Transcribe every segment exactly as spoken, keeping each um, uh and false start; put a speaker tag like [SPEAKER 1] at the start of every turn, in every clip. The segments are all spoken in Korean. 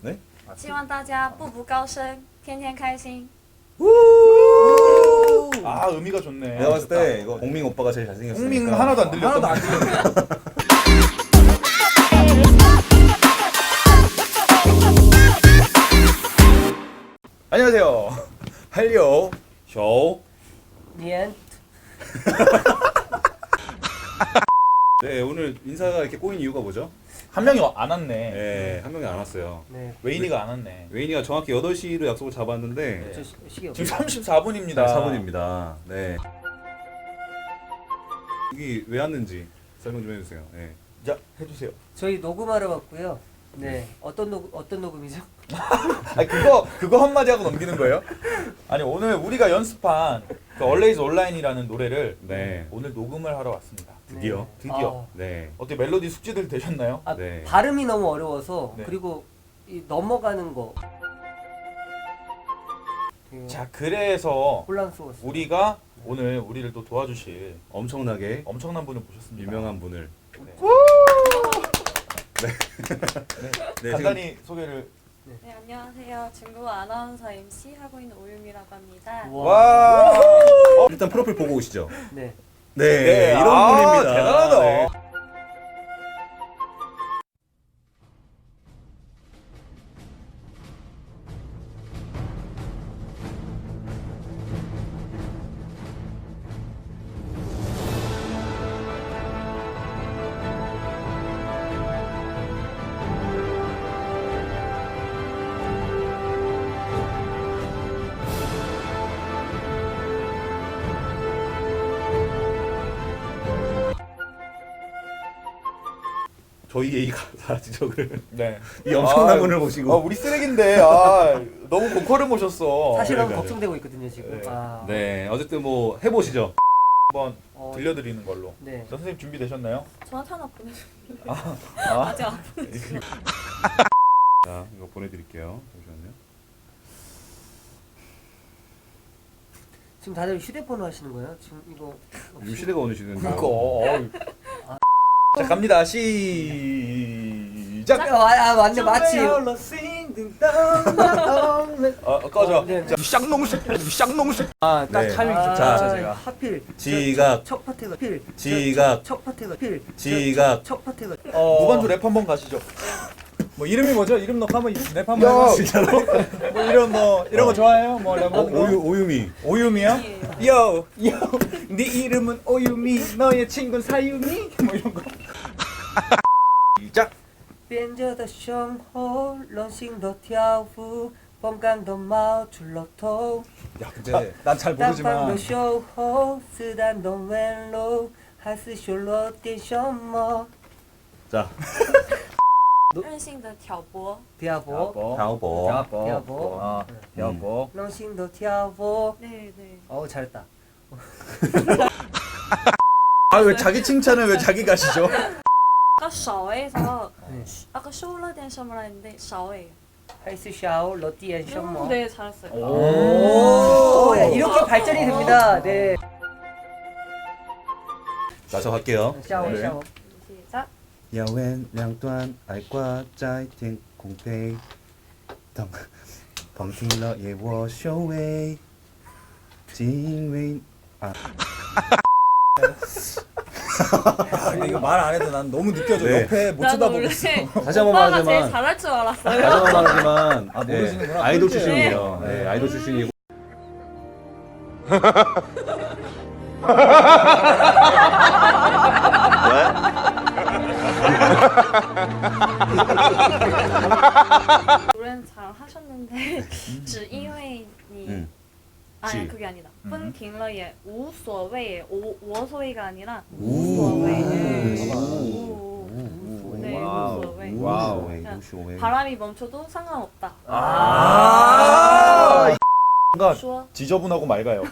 [SPEAKER 1] 네?
[SPEAKER 2] 希望大家步步高升，天天开心。
[SPEAKER 3] 아 의미가 좋네.
[SPEAKER 1] 내가 봤을 때 이거 공민 오빠가 제일 잘생겼으니까.
[SPEAKER 3] 홍민 하나도 안 들렸던
[SPEAKER 4] 하나도 안 들렸네.
[SPEAKER 3] 안녕하세요. 할리오
[SPEAKER 1] 쇼.
[SPEAKER 4] 年
[SPEAKER 1] 네, 오늘 인사가 이렇게 꼬인 이유가 뭐죠?
[SPEAKER 3] 한 명이 안 왔네.
[SPEAKER 1] 네, 한 명이 안 왔어요.
[SPEAKER 4] 네.
[SPEAKER 3] 웨인이가 안 왔네.
[SPEAKER 1] 웨인이가 정확히 여덟 시로 약속을 잡았는데
[SPEAKER 4] 저 시- 시계
[SPEAKER 3] 지금
[SPEAKER 4] 없어요.
[SPEAKER 3] 삼십사 분입니다.
[SPEAKER 1] 사 분입니다. 네. 여기 왜 왔는지 설명 좀 해주세요. 네.
[SPEAKER 3] 자 해주세요.
[SPEAKER 4] 저희 녹음하러 왔고요. 네. 어떤 녹 어떤 녹음이죠?
[SPEAKER 3] 아니 그거 그거 한마디 하고 넘기는 거예요? 아니 오늘 우리가 연습한 그 Always Online이라는 노래를
[SPEAKER 1] 네.
[SPEAKER 3] 오늘 녹음을 하러 왔습니다.
[SPEAKER 1] 드디어.
[SPEAKER 4] 네.
[SPEAKER 3] 드디어.
[SPEAKER 1] 네.
[SPEAKER 3] 어떻게 멜로디 숙지들 되셨나요?
[SPEAKER 4] 아, 아,
[SPEAKER 1] 네.
[SPEAKER 4] 발음이 너무 어려워서
[SPEAKER 3] 네.
[SPEAKER 4] 그리고 이 넘어가는 거 그
[SPEAKER 3] 자 그래서
[SPEAKER 4] 혼란스러웠어요.
[SPEAKER 3] 우리가 오늘 우리를 또 도와주실
[SPEAKER 1] 엄청나게
[SPEAKER 3] 엄청난 분을 모셨습니다.
[SPEAKER 1] 유명한 분을.
[SPEAKER 3] 네,
[SPEAKER 1] 네,
[SPEAKER 3] 간단히 소개를.
[SPEAKER 2] 네, 안녕하세요. 중국 아나운서 엠씨 하고 있는 오유미라고 합니다.
[SPEAKER 4] 와.
[SPEAKER 3] 와.
[SPEAKER 1] 일단 프로필 보고 오시죠.
[SPEAKER 4] 네.
[SPEAKER 1] 네,
[SPEAKER 3] 네,
[SPEAKER 1] 이런
[SPEAKER 3] 아,
[SPEAKER 1] 분입니다.
[SPEAKER 3] 대단하다.
[SPEAKER 1] 네. 저희의 이 가사 지적을
[SPEAKER 3] 네.
[SPEAKER 1] 이 엄청난
[SPEAKER 3] 아,
[SPEAKER 1] 분을 모시고
[SPEAKER 3] 아, 우리 쓰레기인데 아 너무 고퀄을 모셨어.
[SPEAKER 4] 사실 너무
[SPEAKER 1] 그러니까요.
[SPEAKER 4] 걱정되고 있거든요 지금.
[SPEAKER 3] 네.
[SPEAKER 4] 아.
[SPEAKER 1] 네, 어쨌든 뭐 해보시죠.
[SPEAKER 3] 한번
[SPEAKER 4] 어,
[SPEAKER 3] 들려드리는 걸로.
[SPEAKER 4] 네.
[SPEAKER 3] 자, 선생님 준비되셨나요?
[SPEAKER 2] 저한테 하나 보내주세요.
[SPEAKER 3] 아,
[SPEAKER 2] 아직 안 보내주세요.
[SPEAKER 1] 자, 이거 보내드릴게요. 잠시만요.
[SPEAKER 4] 지금 다들 휴대폰으로 하시는 거예요? 지금 이거
[SPEAKER 1] 요즘 시대가 어느 시대인데.
[SPEAKER 3] 그거. 어이. 자 갑니다. 시작.
[SPEAKER 4] 아, 아 맞네 마치.
[SPEAKER 3] 어 꺼져.
[SPEAKER 4] 어, 네, 네.
[SPEAKER 3] 아, 딱
[SPEAKER 1] 네.
[SPEAKER 3] 타이밍
[SPEAKER 4] 아,
[SPEAKER 3] 좋다 제가.
[SPEAKER 4] 하필
[SPEAKER 1] 지각.
[SPEAKER 4] 첫 파트가 필
[SPEAKER 1] 지각.
[SPEAKER 4] 첫 파트가 필
[SPEAKER 1] 지각.
[SPEAKER 4] 첫 파트가
[SPEAKER 3] 어, 무반주 랩 한번 가시죠.
[SPEAKER 5] 뭐 이름이 뭐죠? 이름 넣고 한번 랩 한번
[SPEAKER 3] 야,
[SPEAKER 5] 해봐.
[SPEAKER 1] 진짜로?
[SPEAKER 5] 뭐 이런 뭐 이런 거 좋아해요? 뭐 랩
[SPEAKER 1] 어,
[SPEAKER 5] 하는 거?
[SPEAKER 1] 오유, 오유미.
[SPEAKER 5] 오유미야? 요, 요, 네 이름은 오유미, 너의 친구는 사유미? 뭐 이런 거.
[SPEAKER 3] 시작.
[SPEAKER 4] 变着的生活，任性的跳舞，风干的冒出了头。
[SPEAKER 5] 야 근데 난 잘
[SPEAKER 4] 单方
[SPEAKER 5] 모르지만
[SPEAKER 4] 的守候，子弹的温柔，还是修了点什么？
[SPEAKER 1] 자,
[SPEAKER 2] 任性的挑拨，
[SPEAKER 4] 跳舞，
[SPEAKER 1] 다오보.
[SPEAKER 5] 야보,
[SPEAKER 4] 야보.
[SPEAKER 5] 아, 야보.
[SPEAKER 4] 任性的跳舞。
[SPEAKER 2] 네, 네.
[SPEAKER 4] 어우 잘했다.
[SPEAKER 3] 아 왜 자기 칭찬을 왜 자기 가시죠?
[SPEAKER 2] 아까 샤워에서
[SPEAKER 4] 네.
[SPEAKER 2] 아까 쇼울러된 셔머라 했는데 샤워예요.
[SPEAKER 4] 还是小了点什么？
[SPEAKER 2] 네, 잘했어요.
[SPEAKER 4] 오, 야, 이렇게 발전이 됩니다. 네.
[SPEAKER 1] 자, 저 갈게요.
[SPEAKER 4] 샤워
[SPEAKER 3] 네.
[SPEAKER 4] 샤워.
[SPEAKER 2] 시작.
[SPEAKER 1] 要问两端爱挂在天空飞，当旁听了也我修为，因为啊。
[SPEAKER 5] 아, 근데 이거 말 안 해도 난 너무 느껴져.
[SPEAKER 1] 네.
[SPEAKER 5] 옆에 못
[SPEAKER 2] 나도
[SPEAKER 5] 쳐다보고
[SPEAKER 2] 원래
[SPEAKER 5] 있어.
[SPEAKER 1] 다시 한번
[SPEAKER 2] 오빠가 제일
[SPEAKER 1] 말하지만
[SPEAKER 2] 잘할 줄 알았어요.
[SPEAKER 1] 다시 한번 말하지만
[SPEAKER 5] 아, 모르시는구나.
[SPEAKER 1] 네, 아이돌
[SPEAKER 5] 꿀잼.
[SPEAKER 1] 출신이에요. 네,
[SPEAKER 5] 네.
[SPEAKER 1] 아이돌 출신이고
[SPEAKER 2] 노래는 잘 하셨는데 只因为你
[SPEAKER 1] 음.
[SPEAKER 2] 아니
[SPEAKER 1] 지.
[SPEAKER 2] 그게 아니다.
[SPEAKER 3] 음.
[SPEAKER 2] 分停了也无所谓. 오 우소위가 아니라
[SPEAKER 1] 우.
[SPEAKER 2] 우소위.
[SPEAKER 1] 우.
[SPEAKER 2] 우. 네,
[SPEAKER 3] 와우.
[SPEAKER 2] 우소위.
[SPEAKER 3] 와우.
[SPEAKER 1] 우쇼웨이.
[SPEAKER 2] 바람이 멈춰도 상관없다.
[SPEAKER 3] 아. 뭔가
[SPEAKER 2] 说
[SPEAKER 3] 지저분하고 맑아요.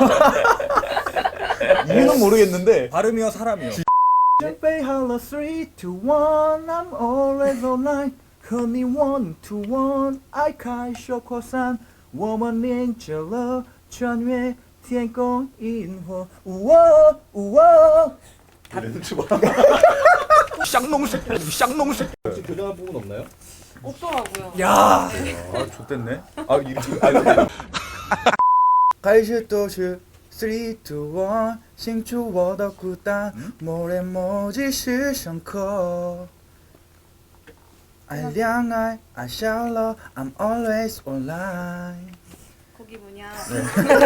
[SPEAKER 3] 이유는 모르겠는데.
[SPEAKER 5] 발음이요 사람이요. 준비 하나 three two one I'm always online和你 one to one 爱开小扩散我们连接了穿越天空银河우와 우와
[SPEAKER 1] 혹시 교정할 부분 없나요?
[SPEAKER 2] 없더라고요.
[SPEAKER 5] 야.
[SPEAKER 3] 아 좋댔네. 아 이거 아 이거
[SPEAKER 1] 开始都是 three two one 清除我的孤单 某人某几时上课 爱恋爱爱笑了 I'm always online
[SPEAKER 2] 거기 뭐냐?
[SPEAKER 1] 네.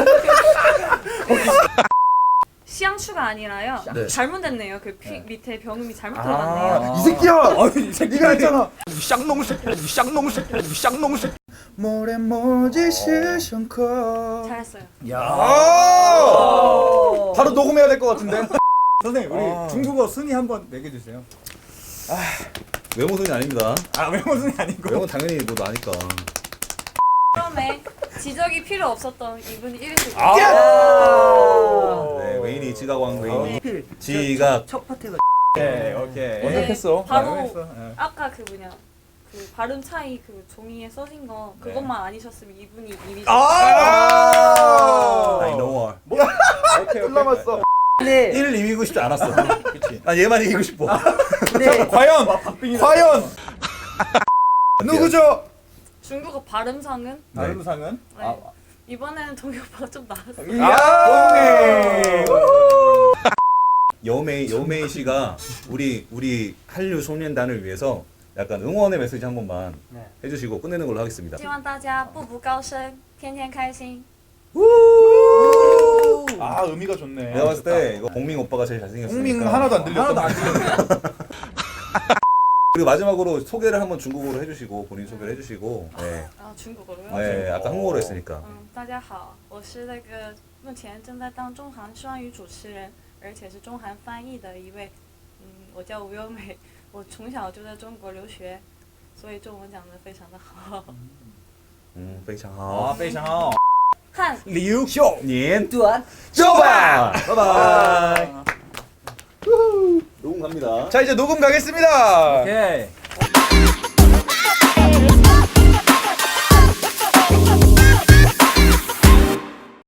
[SPEAKER 2] 시향추가 아니라요.
[SPEAKER 1] 네.
[SPEAKER 2] 잘못됐네요. 그 피,
[SPEAKER 1] 네.
[SPEAKER 2] 밑에 병음이 잘못
[SPEAKER 1] 아,
[SPEAKER 2] 들어갔네요.
[SPEAKER 1] 이 새끼야!
[SPEAKER 5] 아, 이 새끼
[SPEAKER 1] 네가 했잖아.
[SPEAKER 5] 쌍놈새, 쌍놈새, 쌍놈새.
[SPEAKER 1] 某人某几时上课
[SPEAKER 2] 잘했어요.
[SPEAKER 5] 야.
[SPEAKER 3] 아! 바로 녹음해야 될 것 같은데.
[SPEAKER 5] 선생님, 우리
[SPEAKER 1] 아.
[SPEAKER 5] 중국어 순위 한번 매겨 주세요.
[SPEAKER 1] 외모순이 아닙니다.
[SPEAKER 5] 아, 외모 순위 아니고.
[SPEAKER 1] 외모 당연히 뭐 아니까.
[SPEAKER 2] 처음에 지적이 필요 없었던 이분이 일 위를
[SPEAKER 3] 아!
[SPEAKER 1] 네, 웨인이 지각왕 웨인이
[SPEAKER 4] 하필
[SPEAKER 1] 지각
[SPEAKER 4] 첫 파트가
[SPEAKER 5] 오케이, 오케이.
[SPEAKER 3] 완벽했어.
[SPEAKER 2] 바로
[SPEAKER 5] 완벽했어. 예.
[SPEAKER 2] 아까 그 뭐냐 그 발음 차이 그 종이에 써진 거 그것만 아니셨으면 이분이 일 위죠.
[SPEAKER 3] 아!
[SPEAKER 1] I know her.
[SPEAKER 3] 오케이 오케이. 남았어.
[SPEAKER 4] 근데
[SPEAKER 1] 일 이기고 싶지 않았어.
[SPEAKER 3] 그렇지.
[SPEAKER 1] 난 얘만 이기고 싶어.
[SPEAKER 4] 근데
[SPEAKER 3] 과연 과연 누구죠?
[SPEAKER 2] 중국어 발음상은
[SPEAKER 5] 발음상은
[SPEAKER 2] 네.
[SPEAKER 5] 아,
[SPEAKER 2] 이번에는 동희 오빠가 좀 나았어요.
[SPEAKER 3] 아!
[SPEAKER 1] 여메이 여메이 씨가 우리 우리 한류 소년단을 위해서 약간 응원의 메시지 한 번만
[SPEAKER 4] 네.
[SPEAKER 1] 해주시고 끝내는 걸로 하겠습니다.
[SPEAKER 2] 希望大家步步高升，天天开心。
[SPEAKER 3] 아 의미가 좋네.
[SPEAKER 1] 내가 봤을 때 이거 봉밍 오빠가 제일 잘생겼으니까.
[SPEAKER 3] 홍밍 하나도 안 들렸던
[SPEAKER 5] 하나도 안
[SPEAKER 1] 그리고 마지막으로 소개를 한번 중국어로 해주시고 본인 소개를 해주시고. 네.
[SPEAKER 2] 啊，중국어로요？
[SPEAKER 1] 네, 아까 한국어로 했으니까.
[SPEAKER 2] 嗯，大家好，我是那个目前正在当中韩双语主持人，而且是中韩翻译的一位。嗯，我叫吴优美，我从小就在中国留学，所以中文讲得非常的好。
[SPEAKER 1] 음, 非常
[SPEAKER 3] 아
[SPEAKER 1] 好.
[SPEAKER 3] 非常好.
[SPEAKER 2] 汉
[SPEAKER 5] 리우 쇼.
[SPEAKER 1] 年
[SPEAKER 4] 또한
[SPEAKER 1] 쪼바. 바이바이. 녹음 갑니다.
[SPEAKER 3] 자 이제 녹음 가겠습니다.
[SPEAKER 5] 오케이.